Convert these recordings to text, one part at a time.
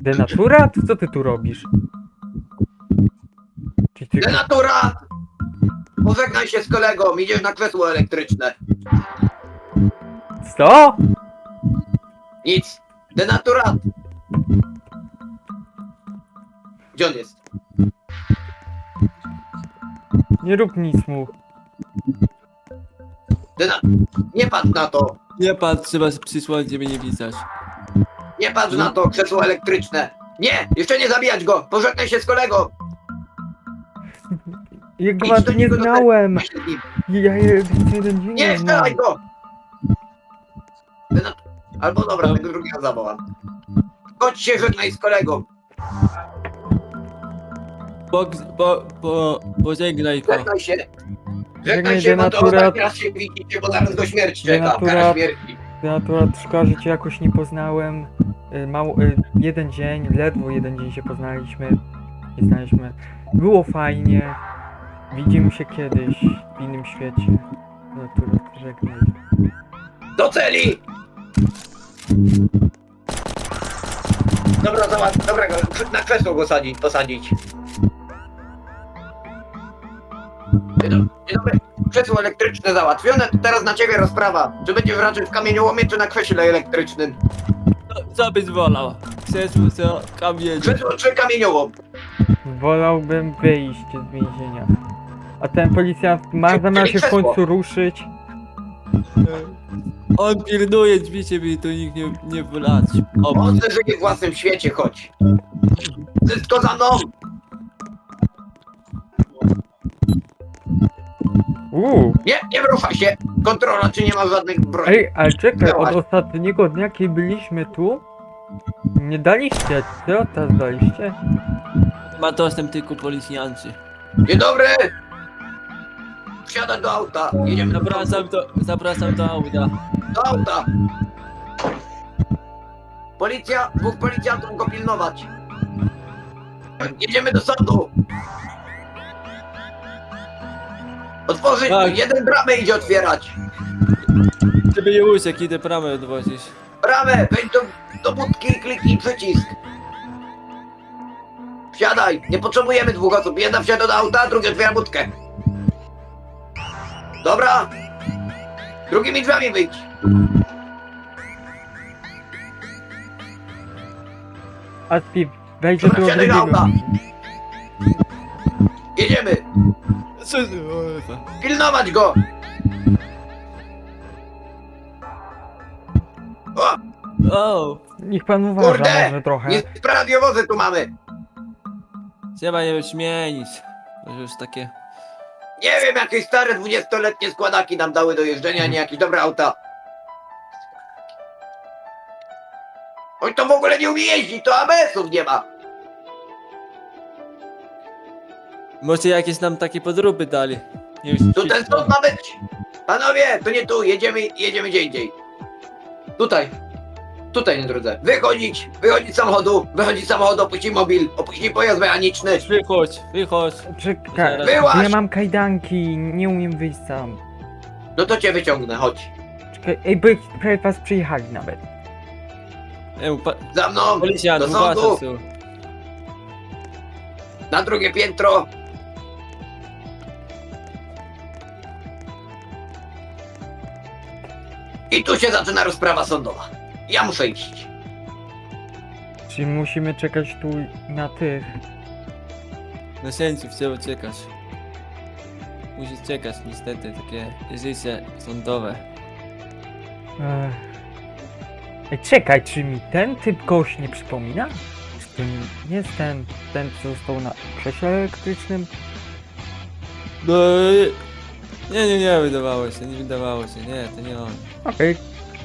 Denaturat? Co ty tu robisz? Denaturat! Pożegnaj się z kolegą, idziesz na krzesło elektryczne. Co? Nic. Denaturat! Gdzie on jest? Nie rób nic mu. Nie patrz na to! Nie patrz, trzeba przysłać, żeby nie pisać. Nie patrz na to, krzesło elektryczne! Nie! Jeszcze nie zabijać go! Pożegnaj się z kolegą! Ja go Idź do nie niego do znałem. Weź się z nim. Ja je jeden dzień Nie, nie strzelaj znam. go! Albo dobra, tego drugiego zawołam. Chodź się żegnaj z kolegą! Pożegnaj go. Żegnaj się! Żegnaj Żegnaj się, bo to denaturat. ostatni raz się widzicie, bo zaraz go śmierć czeka. Denaturat. Kara śmierci. Denaturat szkoda, że cię jakoś nie poznałem. Jeden dzień, ledwo jeden dzień się poznaliśmy. I znaliśmy. Było fajnie. Widzimy się kiedyś w innym świecie. Denaturat, żegnaj. Do celi! Dobra, zobacz, dobra, na krzesło go posadzić. Dzień dobry, krzesło elektryczne załatwione, to teraz na ciebie rozprawa. Czy będziesz raczej w kamieniołomie, czy na krześle elektrycznym? Co byś wolał? Krzesło, co? Kamień. Krzesło czy kamieniołom? Wolałbym wyjść z więzienia. A ten policjant ma zamiar się w końcu ruszyć. On pilnuje drzwi, żeby tu nikt nie wlać. On żyje w własnym świecie, chodź. Wszystko za mną! Nie wyrusza się! Kontrola, czy nie ma żadnych broni. Ej, ale czekaj, od Zobacz. ostatniego dnia, kiedy byliśmy tu, nie daliście, co teraz daliście? Ma dostęp tylko policjanci. Dzień dobry! Wsiadaj do auta, jedziemy Zapraszam do auta. do auta! Policja, dwóch policjantów go pilnować. Jedziemy do sądu. Otworzyć, Tak. jeden bramę idzie otwierać. Żeby nie uciekł, idę bramę odwozić. Bramę, wejdź do budki i kliknij przycisk. Wsiadaj, nie potrzebujemy dwóch osób. Jedna wsiada do auta, drugi otwiera budkę. Dobra. Drugimi drzwiami wyjdź. A Steve, wejdź do Dobra, tego wsiadaj do drugiego. auta. Jedziemy. Co? Pilnować go. O, O! Niech pan uważa kurde, może trochę. nie radiowozy tu mamy. Trzeba je śmienić. To już takie... Nie wiem, jakieś stare 20-letnie składaki nam dały do jeżdżenia, nie jakieś dobre auta. On to w ogóle nie umie jeździć, to ABS-ów nie ma. Może jakieś nam takie podróby dali. Już Tu ten sąd ma być. Panowie, to nie tu, jedziemy gdzie indziej. Tutaj na drodze. Wychodzić z samochodu, opuścić mobil, opuścić pojazd mechaniczny. Wychodź. Czekaj, Wyłaź! ja mam kajdanki, nie umiem wyjść sam. No to cię wyciągnę, chodź. Czekaj, ej, by prawie was przyjechali nawet. Za mną, Policjant, do sądu, uważaj tu. na drugie piętro. I tu się zaczyna rozprawa sądowa. Ja muszę iść. Czyli musimy czekać tu na tych. Na sędziów trzeba czekać. Musisz czekać niestety, takie życie sądowe. Ech. Ej, czekaj, czy mi ten typ kogoś nie przypomina? Czy to nie jest ten co został na krześle elektrycznym? No... Nie, wydawało się, nie, to nie on. Okej.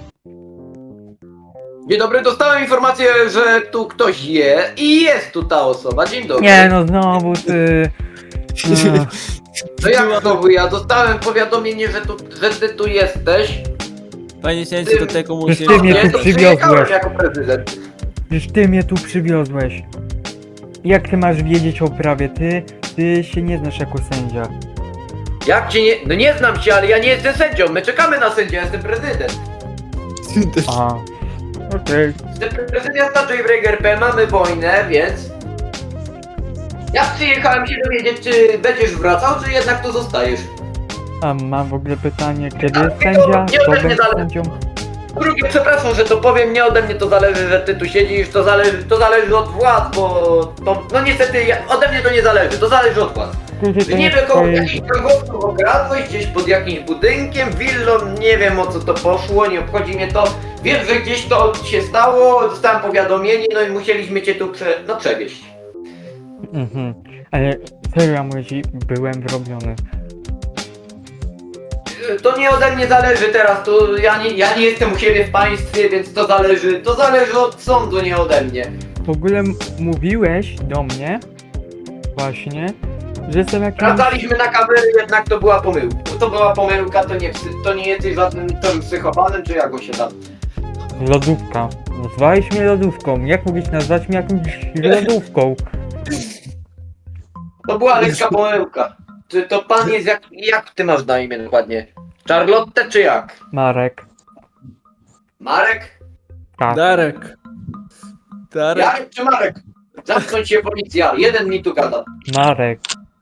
Dzień dobry, dostałem informację, że tu ktoś je i jest tu ta osoba. Dzień dobry. Nie no, znowu ty. Ech. No jak znowu ja? Dostałem powiadomienie, że ty tu jesteś. Panie sędzi, do tego musi... Ty mnie Nie, tu to przywiozłeś. przyjechałem jako prezydent. Przecież ty mnie tu przywiozłeś. Jak ty masz wiedzieć o prawie? Ty się nie znasz jako sędzia. Jak cię nie... No nie znam cię, ale ja nie jestem sędzią. My czekamy na sędzię, ja jestem prezydent. A. Okej. Prezydent miasta Jailbreak RP, mamy wojnę, więc... Ja przyjechałem się dowiedzieć, czy będziesz wracał, czy jednak tu zostajesz. A mam w ogóle pytanie, kiedy jest nie, sędzia? nie Kto ode mnie będzie zależy. sędzią? Drugie, przepraszam, że to powiem, nie ode mnie to zależy, że ty tu siedzisz, to zależy od władz, bo to, no niestety, ode mnie to nie zależy, to zależy od władz. Kiedy to Nie jest wiem, koło twoje- jakichś gangowców okradłeś, gdzieś pod jakimś budynkiem, willą, nie wiem o co to poszło, nie obchodzi mnie to. Wiem, że gdzieś to się stało, dostałem powiadomienie, no i musieliśmy cię tu przewieźć. Mhm. Ale serio, Młyzi, byłem wrobiony. To nie ode mnie zależy teraz, to ja nie jestem u siebie w państwie, więc to zależy od sądu, nie ode mnie. W ogóle mówiłeś do mnie, właśnie, że jestem jakimś... Sprawdzaliśmy na kamery, jednak to była pomyłka. To była pomyłka, to nie jesteś żadnym tym psychopatem, czy jak on się tam... Lodówka. Nazwałeś mnie lodówką. Jak mogłeś nazwać mnie jakąś lodówką? To była lekka pomyłka. Czy to pan jest jak ty masz na imię dokładnie? Charlotte czy jak? Marek. Marek? Tak. Darek. Darek. Jarek czy Marek? Zamknąć się policja, jeden mi tu gada. Marek.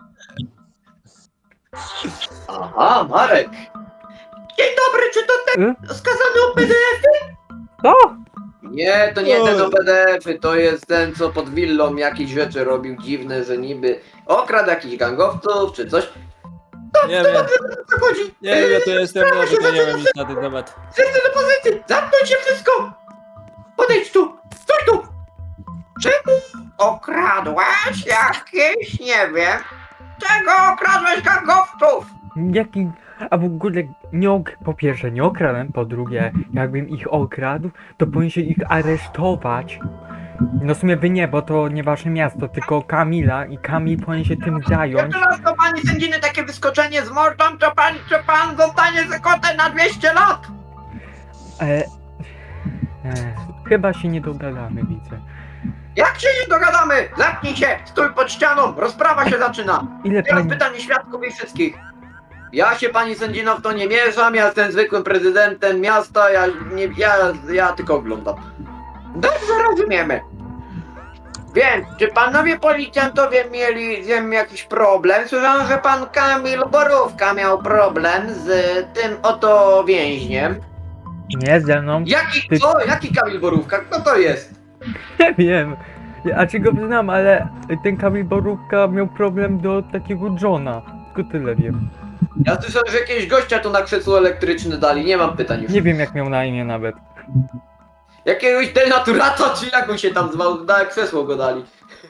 Aha, Marek. Dzień dobry, czy to ten skazany o PDF? Co? Nie, to nie ten o PDF-y, to jest ten, co pod willą jakieś rzeczy robił dziwne, że niby okradł jakichś gangowców czy coś. Nie wiem, Co chodzi? nie wiem, ja tu jestem nowy, to nie wiem nic na ten temat. Serce do pozycji! Zamknąć się wszystko! Podejdź tu! Stój tu! Czemu okradłeś jakieś, nie wiem... Czego okradłeś gangowców? Jaki... A w ogóle po pierwsze nie okradłem, po drugie, jakbym ich okradł, to powinien się ich aresztować. No w sumie wy nie, bo to nie wasze miasto, tylko Kamila i Kamil powinien się tym zająć. Jeszcze raz do pani sędziny takie wyskoczenie z mordą, to pan zostanie zakotem na 200 lat! Chyba się nie dogadamy, widzę. Jak się nie dogadamy? Zamknij się! Stój pod ścianą! Rozprawa się zaczyna! Ile Teraz pani... pytanie świadków i wszystkich. Ja się pani sędzino w to nie mieszam, ja jestem zwykłym prezydentem miasta, ja tylko oglądam. Dobrze rozumiemy. Więc, czy panowie policjantowie mieli z tym jakiś problem? Słyszałem, że pan Kamil Borówka miał problem z tym oto więźniem. Nie ze mną. Jaki Kamil Borówka? Kto to jest? Nie wiem. A czy go znam, ale ten Kamil Borówka miał problem do takiego Johna. Tylko tyle wiem. Ja słyszałem, że jakiegoś gościa tu na krzesło elektryczne dali, nie mam pytań już. Nie wiem jak miał na imię nawet. Jakiegoś denaturata, czy jak on się tam zwał, na krzesło go dali.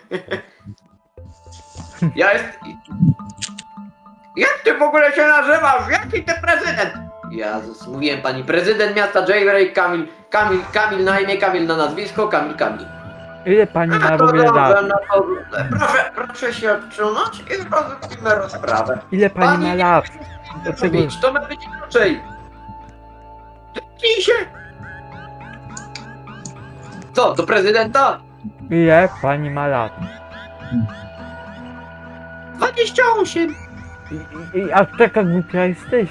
Jak ty w ogóle się nazywasz? Jaki ty prezydent? Jezus, mówiłem pani, prezydent miasta Jailbreak, Kamil na imię, Kamil na nazwisko, Kamil. Ile pani ma w ogóle dobrze, lat? no to proszę się odsunąć i zrobimy rozprawę. Ile pani ma lat? Dlaczego? To ma być inaczej. Tknij się! Co, do prezydenta? Ile pani ma lat? 28! A taka głupia jesteś?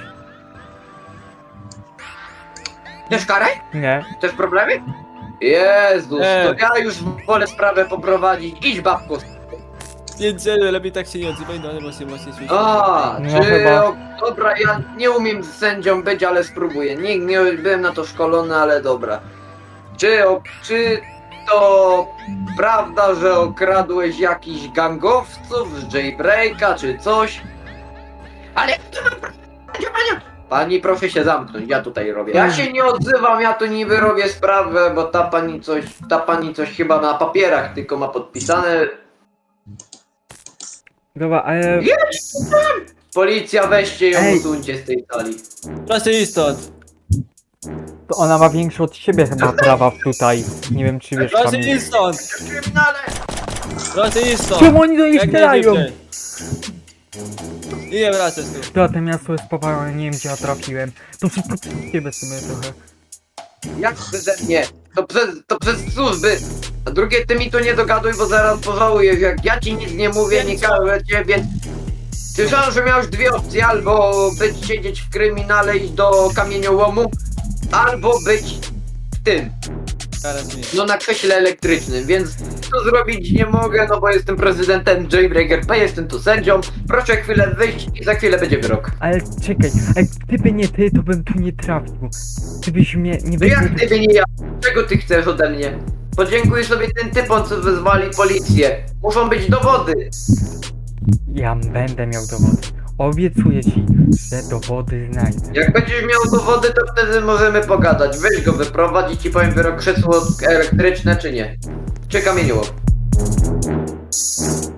Chcesz karę? Nie. Chcesz problemy? Jezus, Nie. to ja już wolę sprawę poprowadzić. Idź babko. Nie, lepiej tak się nie odzywaj, no ale właśnie słyszę. A, No czy... chyba. Dobra, ja nie umiem z sędzią być, ale spróbuję. Nie byłem na to szkolony, ale dobra. Czy to prawda, że okradłeś jakichś gangowców z Jailbreaka, czy coś? Ale to Pani, proszę się zamknąć, ja tutaj robię. Ja się nie odzywam, ja tu niby robię sprawę, bo ta pani coś chyba na papierach tylko ma podpisane. Dobra, ale... Policja, weźcie ją, Ej. usuńcie z tej sali. Proszę iść stąd. To ona ma większe od siebie chyba prawa tutaj. Nie wiem czy wiesz Proszę Kamil. iść stąd. Kryminale! Proszę iść stąd. Czemu oni do niej Jak strzelają? najszybciej. I nie wracać tu. To te miasto jest powalone, nie wiem gdzie ja trafiłem. To wszystko przez ciebie w sumie trochę. Jak przeze mnie? To przez służby. A drugie, ty mi tu nie dogaduj, bo zaraz pożałujesz. Jak ja ci nic nie mówię, nie każę cię, więc... Słyszałem, że miałeś dwie opcje, albo siedzieć w kryminale, iść do kamieniołomu, albo być w tym. Teraz mi. No na krześle elektrycznym, więc to zrobić nie mogę, no bo jestem prezydentem Jailbreaker P, jestem tu sędzią. Proszę chwilę wyjść i za chwilę będzie wyrok. Ale czekaj, gdyby nie ty, to bym tu nie trafił. Gdybyś mnie nie No jak wyszedł... gdyby nie ja? Czego ty chcesz ode mnie? Podziękuj sobie tym typom, co wezwali policję. Muszą być dowody. Ja będę miał dowody. Obiecuję ci, że dowody znajdę. Jak będziesz miał dowody, to wtedy możemy pogadać. Weź go wyprowadź i ci powiem wyrok krzesło elektryczne czy nie. Czy kamieniołom.